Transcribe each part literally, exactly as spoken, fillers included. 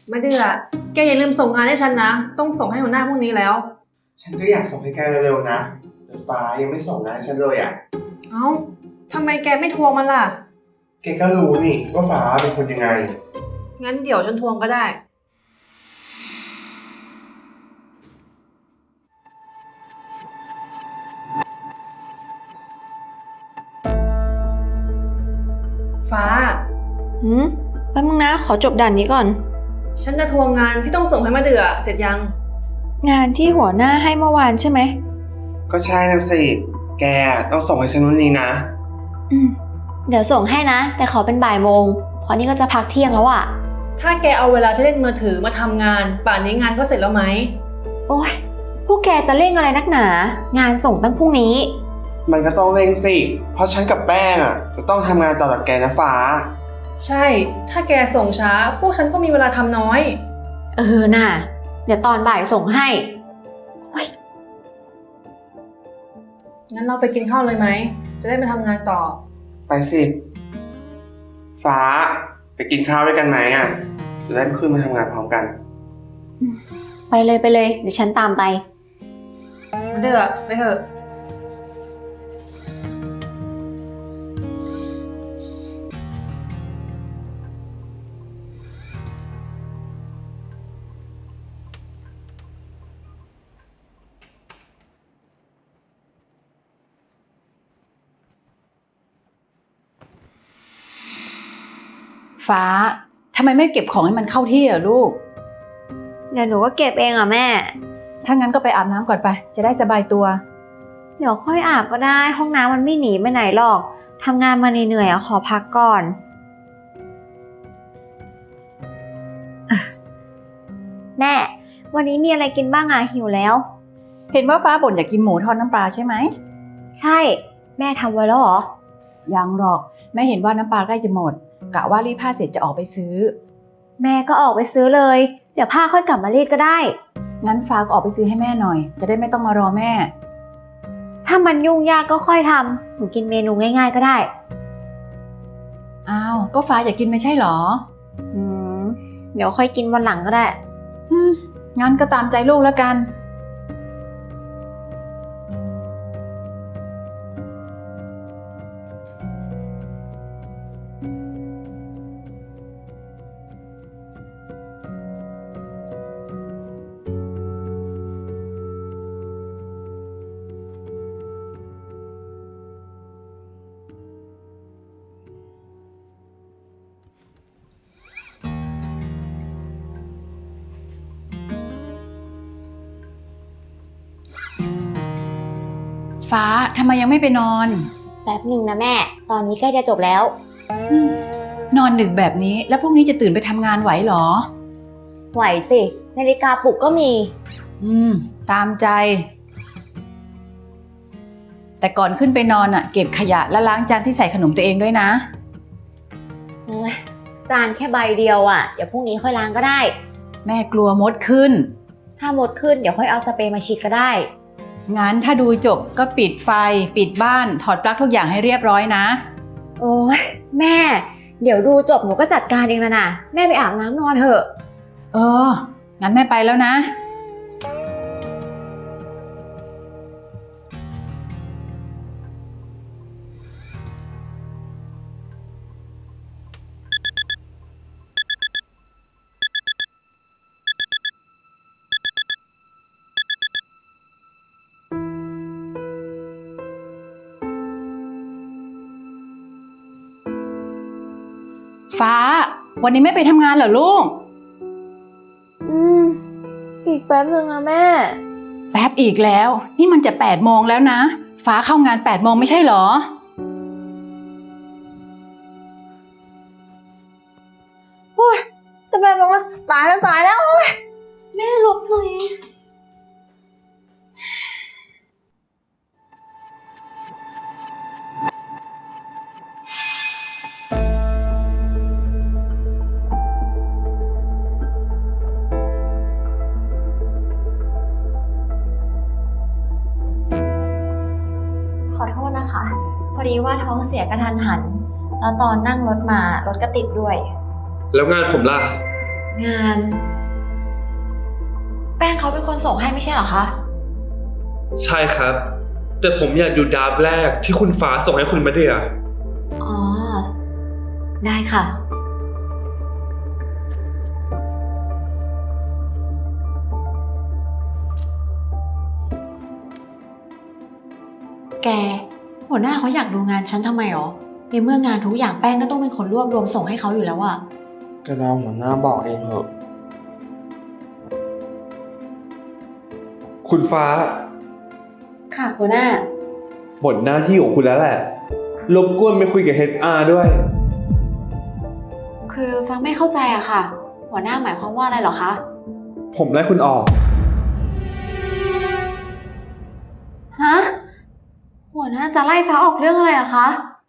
ไม่เดือแกอย่าลืมส่งงานให้ฉันนะต้องส่งให้หัวหน้าพรุ่งนี้แล้วฉันก็อยากส่งให้แกเร็วๆนะแต่ฟ้ายังไม่ส่งงานให้ฉันเลยอ่ะเอ้าทำไมแกไม่ทวงมันล่ะแกก็รู้นี่ว่าฟ้าเป็นคนยังไงงั้นเดี๋ยวฉันทวงก็ได้ฟ้าหืมแป๊บนึงนะขอจบด่านนี้ก่อนฉันจะทวงงานที่ต้องส่งให้มาเดือเสร็จยังงานที่หัวหน้าให้เมื่อวานใช่ไหมก็ใช่นะสิแกต้องส่งให้ฉันวันนี้นะอืมเดี๋ยวส่งให้นะแต่ขอเป็นบ่ายโมงเพราะนี่ก็จะพักเที่ยงแล้วอะถ้าแกเอาเวลาที่เล่นมือถือมาทำงานป่านนี้งานก็เสร็จแล้วไหมโอ้ยพวกแกจะเร่งอะไรนักหนางานส่งตั้งพรุ่งนี้มันก็ต้องเร่งสิเพราะฉันกับแป้งอ่ะจะต้องทำงานต่อจากแกนะฟ้าใช่ถ้าแกส่งช้าพวกฉันก็มีเวลาทำน้อยเออน่ะเดี๋ยวตอนบ่ายส่งให้งั้นเราไปกินข้าวเลยไหมจะได้ไปทำงานต่อไปสิฟ้าไปกินข้าวด้วยกันไหมอ่ะจะได้ขึ้นมาทำงานพร้อมกันไปเลยไปเลยเดี๋ยวฉันตามไปเดือไปเถอะฟ้าทำไมไม่เก็บของให้มันเข้าที่อ่ะลูกเดี๋ยวหนูก็เก็บเองอ่ะแม่ถ้างั้นก็ไปอาบน้ำก่อนไปจะได้สบายตัวเดี๋ยวค่อยอาบก็ได้ห้องน้ำมันไม่หนีไปไหนหรอกทำงานมาเหนื่อยๆอ่ะขอพักก่อนแม่วันนี้มีอะไรกินบ้างอ่ะหิวแล้วเห็นว่าฟ้าบ่นอยากกินหมูทอดน้ำปลาใช่ไหมใช่แม่ทำไว้แล้วเหรอยังหรอกแม่เห็นว่าน้ำปลาใกล้จะหมดกะว่ารีดผ้าเสร็จจะออกไปซื้อแม่ก็ออกไปซื้อเลยเดี๋ยวผ้าค่อยกลับมารีดก็ได้งั้นฟ้าก็ออกไปซื้อให้แม่หน่อยจะได้ไม่ต้องมารอแม่ถ้ามันยุ่งยากก็ค่อยทำหนูกินเมนูง่ายๆก็ได้อ้าวก็ฟ้าอยากกินไม่ใช่หรออืมเดี๋ยวค่อยกินวันหลังก็ได้อืมงั้นก็ตามใจลูกแล้วกันฟ้าทำไมยังไม่ไปนอนแป๊บหนึ่งนะแม่ตอนนี้ใกล้จะจบแล้วนอนดึกแบบนี้แล้วพรุ่งนี้จะตื่นไปทำงานไหวหรอไหวสินาฬิกาปลุกก็มีอืมตามใจแต่ก่อนขึ้นไปนอนอ่ะเก็บขยะและล้างจานที่ใส่ขนมตัวเองด้วยนะโอ้ยจานแค่ใบเดียวอ่ะเดี๋ยวพรุ่งนี้ค่อยล้างก็ได้แม่กลัวมดขึ้นถ้ามดขึ้นเดี๋ยวค่อยเอาสเปรย์มาฉีดก็ได้งั้นถ้าดูจบก็ปิดไฟปิดบ้านถอดปลั๊กทุกอย่างให้เรียบร้อยนะโอ้ยแม่เดี๋ยวดูจบหนูก็จัดการเองแล้วนะแม่ไปอาบน้ำนอนเถอะเอองั้นแม่ไปแล้วนะฟ้าวันนี้ไม่ไปทำงานเหรอลูกอืมอีกแป๊บนึงนะแม่แป๊บอีกแล้วนี่มันจะแปดโมงแล้วนะฟ้าเข้างานแปดโมงไม่ใช่เหรอโอ้ยจะแปดโมงแล้วตายแล้วสายแล้วโอ้ยแม่หลบหน่อยขอโทษนะคะพอดีว่าท้องเสียกระทันหันแล้วตอนนั่งรถมารถก็ติดด้วยแล้วงานผมล่ะงาน แป้งเขาเป็นคนส่งให้ไม่ใช่เหรอคะใช่ครับ แต่ผมอยากดูดราฟต์แรกที่คุณฟ้าส่งให้คุณมาเดียอ๋อ ได้ค่ะ แก หัวหน้าเขาอยากดูงานฉันทำไมหรอ ในเมื่องานทุกอย่างแป้งก็ต้องเป็นคนรวบรวมส่งให้เขาอยู่แล้วอะก็เราหัวหน้าบอกเองเหอะคุณฟ้าค่ะหัวหน้าหมดหน้าที่ของคุณแล้วแหละ รบกวนไปคุยกับ เอช อาร์ ด้วยคือฟังไม่เข้าใจอะค่ะ หัวหน้าหมายความว่าอะไรเหรอคะผมไล่คุณออกฮะ หัวหน้าจะไล่ฟ้าออกเรื่องอะไรอะคะ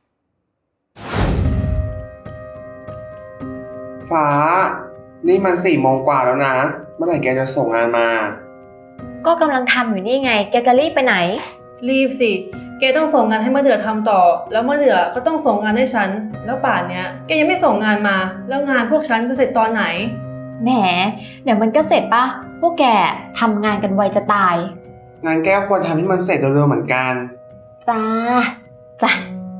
ฟ้า นี่มันสี่โมงกว่าแล้วนะ เมื่อไหร่แกจะส่งงานมาก็กำลังทำอยู่นี่ไง แกจะรีบไปไหนรีบสิ แกต้องส่งงานให้มะเดื่อทำต่อ แล้วมะเดื่อก็ต้องส่งงานให้ฉัน แล้วป่านเนี้ยแกยังไม่ส่งงานมา แล้วงานพวกฉันจะเสร็จตอนไหนแหม เดี๋ยวมันก็เสร็จปะ พวกแกทำงานกันไวจะตายงานแก้วควรทำให้มันเสร็จเร็วๆเหมือนกันจ้า จ้ะ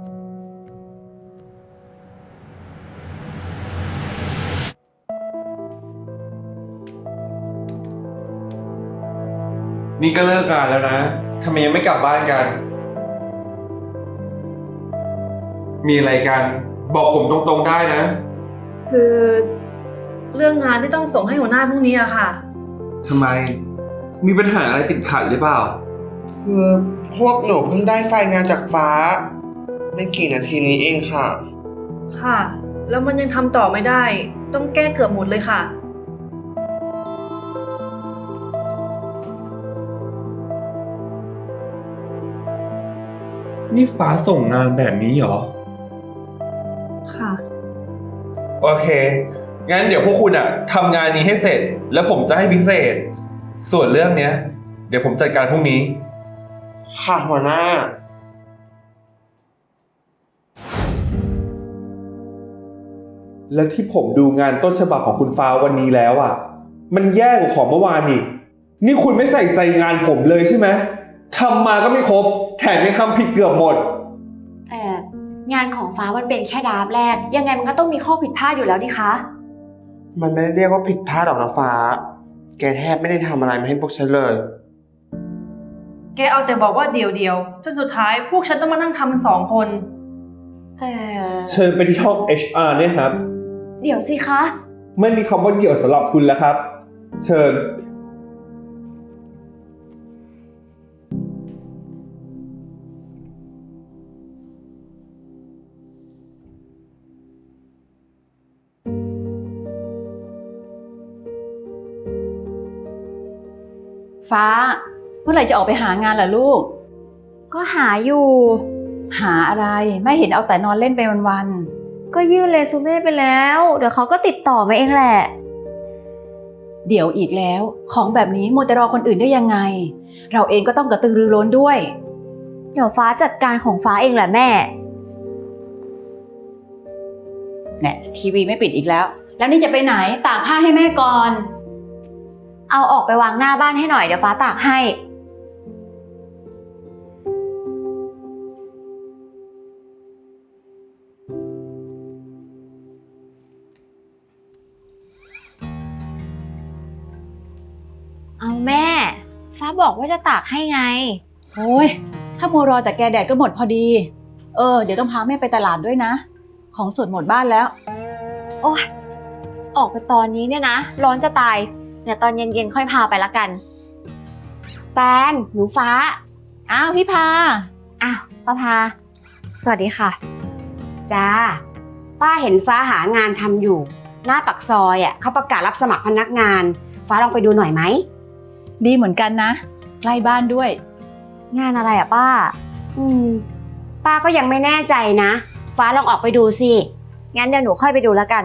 นี่ก็เลิกงานแล้วนะ ทำไมยังไม่กลับบ้านกัน มีอะไรกัน บอกผมตรงๆได้นะคือเรื่องงานที่ต้องส่งให้หัวหน้าพรุ่งนี้อะค่ะทำไม มีปัญหาอะไรติดขัดหรือเปล่าคือพวกหนูเพิ่งได้ไฟล์งานจากฟ้า ไม่กี่นาทีนี้เองค่ะค่ะ แล้วมันยังทำต่อไม่ได้ ต้องแก้เกือบหมดเลยค่ะนี่ฟ้าส่งงานแบบนี้เหรอค่ะโอเค งั้นเดี๋ยวพวกคุณอะทำงานนี้ให้เสร็จ แล้วผมจะให้พิเศษ ส่วนเรื่องเนี้ย เดี๋ยวผมจัดการพรุ่งนี้ค่ะหัวหน้าและที่ผมดูงานต้นฉบับของคุณฟ้าวันนี้แล้วอ่ะ มันแย่กว่าของเมื่อวานอีก นี่คุณไม่ใส่ใจงานผมเลยใช่ไหมทำมาก็ไม่ครบ แถมยังทำผิดเกือบหมดแต่งานของฟ้ามันเป็นแค่ดราฟต์แรก ยังไงมันก็ต้องมีข้อผิดพลาดอยู่แล้วดิคะมันไม่ได้เรียกว่าผิดพลาดหรอกนะฟ้า แกแทบไม่ได้ทำอะไรมาให้พวกฉันเลยแกเอาแต่บอกว่าเดียวเดียวๆจนสุดท้ายพวกฉันต้องมานั่งทำมันสองคนแต่เชิญไปที่ห้อง เอช อาร์ เนี่ยครับเดี๋ยวสิคะไม่มีคำว่าเดี่ยวสำหรับคุณแล้วครับ เชิญฟ้า เมื่อไหร่จะออกไปหางานล่ะลูกก็หาอยู่หาอะไร ไม่เห็นเอาแต่นอนเล่นไปวันก็ยื่นเรซูเม่ไปแล้ว เดี๋ยวเขาก็ติดต่อมาเองแหละๆ เดี๋ยวอีกแล้ว ของแบบนี้มัวแต่รอคนอื่นได้ยังไง เราเองก็ต้องกระตือรือร้นด้วยเดี๋ยวฟ้าจัดการของฟ้าเองแหละแม่เนี่ยทีวีไม่ปิดอีกแล้ว แล้วนี่จะไปไหนตากผ้าให้แม่ก่อนเอาออกไปวางหน้าบ้านให้หน่อยเดี๋ยวฟ้าตากให้ เอาแม่ ฟ้าบอกว่าจะตากให้ไงโอ้ยถ้ามัวรอแต่แกแดดก็หมดพอดี เออเดี๋ยวต้องพาแม่ไปตลาดด้วยนะ ของสดหมดบ้านแล้วโอ้ยออกไปตอนนี้เนี่ยนะ ร้อนจะตาย เดี๋ยวตอนเย็นๆค่อยพาไปละกันแตนหนูฟ้าอ้าวพี่พาอ้าวป้าพา สวัสดีค่ะจ้า ป้าเห็นฟ้าหางานทำอยู่ หน้าปักซอยอ่ะเขาประกาศรับสมัครพนักงาน ฟ้าลองไปดูหน่อยไหมดีเหมือนกันนะ ใกล้บ้านด้วยงานอะไรอะป้าอืม ป้าก็ยังไม่แน่ใจนะ ฟ้าลองออกไปดูสิงั้นเดี๋ยวหนูค่อยไปดูแล้วกัน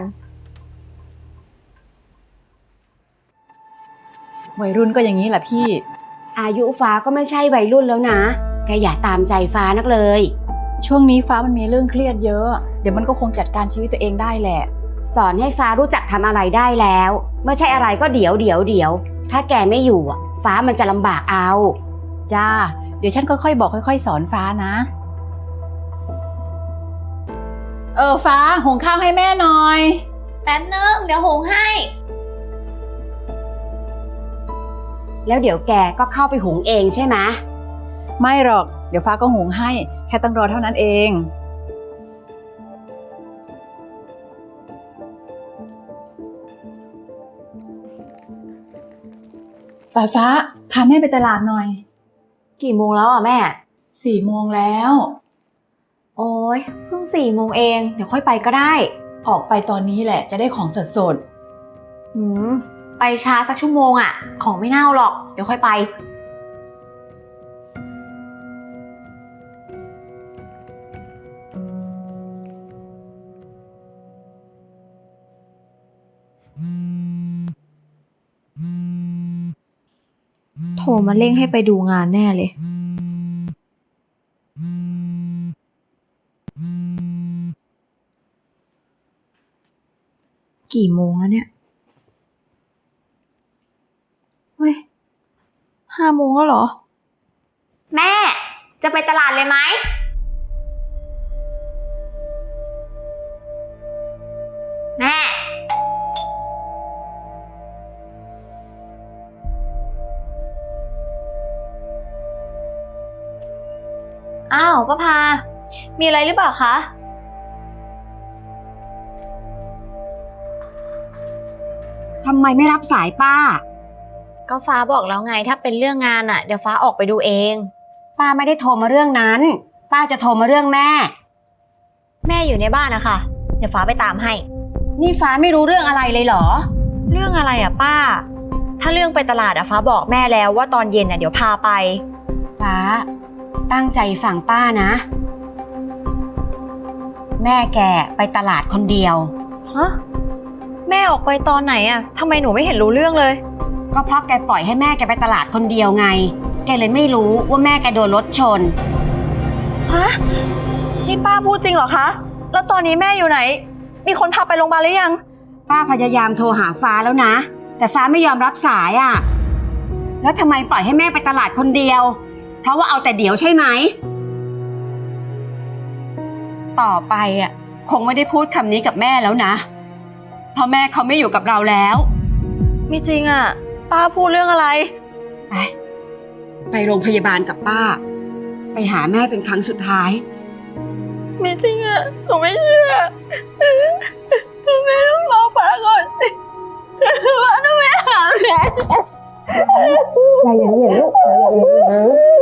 วัยรุ่นก็อย่างนี้แหละพี่อายุฟ้าก็ไม่ใช่วัยรุ่นแล้วนะแกอย่าตามใจฟ้านักเลยช่วงนี้ฟ้ามันมีเรื่องเครียดเยอะ เดี๋ยวมันก็คงจัดการชีวิตตัวเองได้แหละสอนให้ฟ้ารู้จักทำอะไรได้แล้วไม่ใช่อะไรก็เดี๋ยวเดี๋ยวเดี๋ยวถ้าแกไม่อยู่อ่ะฟ้ามันจะลำบากเอาจ้า เดี๋ยวฉันค่อยๆบอกค่อยๆสอนฟ้านะ เออฟ้าหุงข้าวให้แม่หน่อยแป๊บนึง เดี๋ยวหุงให้แล้วเดี๋ยวแกก็เข้าไปหุงเองใช่ไหมไม่หรอก เดี๋ยวฟ้าก็หุงให้ แค่ต้องรอเท่านั้นเอง ฟ้าฟ้าพาแม่ไปตลาดหน่อยกี่โมงแล้วอ่ะแม่สี่โมงแล้วโอ้ยเพิ่งสี่โมงเอง เดี๋ยวค่อยไปก็ได้ออกไปตอนนี้แหละจะได้ของสดสดหืม ไปช้าสักชั่วโมงอ่ะ ของไม่เน่าหรอก เดี๋ยวค่อยไป โทรมาเร่งให้ไปดูงานแน่เลย กี่โมงแล้วเนี่ย เฮ้ย ห้าโมงแล้วเหรอ แม่ จะไปตลาดเลยไหม แม่ อ้าวป้าพา มีอะไรหรือเปล่าคะทำไมไม่รับสายป้าก็ฟ้าบอกแล้วไงถ้าเป็นเรื่องงานอ่ะ เดี๋ยวฟ้าออกไปดูเองป้าไม่ได้โทรมาเรื่องนั้น ป้าจะโทรมาเรื่องแม่แม่อยู่ในบ้านนะคะเดี๋ยวฟ้าไปตามให้นี่ฟ้าไม่รู้เรื่องอะไรเลยเหรอเรื่องอะไรอ่ะป้า ถ้าเรื่องไปตลาดอ่ะฟ้าบอกแม่แล้วว่าตอนเย็นอ่ะเดี๋ยวพาไปฟ้า ตั้งใจฟังป้านะ แม่แกไปตลาดคนเดียวฮะ แม่ออกไปตอนไหนอ่ะทำไมหนูไม่เห็นรู้เรื่องเลยก็เพราะแกปล่อยให้แม่แกไปตลาดคนเดียวไง แกเลยไม่รู้ว่าแม่แกโดนรถชนฮะ นี่ป้าพูดจริงเหรอคะ แล้วตอนนี้แม่อยู่ไหน มีคนพาไปโรงพยาบาลหรือยังป้าพยายามโทรหาฟ้าแล้วนะ แต่ฟ้าไม่ยอมรับสายอ่ะ แล้วทำไมปล่อยให้แม่ไปตลาดคนเดียว เพราะว่าเอาแต่เดี๋ยวใช่ไหม ต่อไปอ่ะคงไม่ได้พูดคำนี้กับแม่แล้วนะ เพราะแม่เขาไม่อยู่กับเราแล้วไม่จริงอ่ะ ป้าพูดเรื่องอะไรไป ไปโรงพยาบาลกับป้า ไปหาแม่เป็นครั้งสุดท้ายไม่จริงอ่ะ หนูไม่เชื่อทำไมต้องรอฟ้าก่อนฟ้าต้องไปหาแม่ใจเย็นๆลูกใจเย็นๆ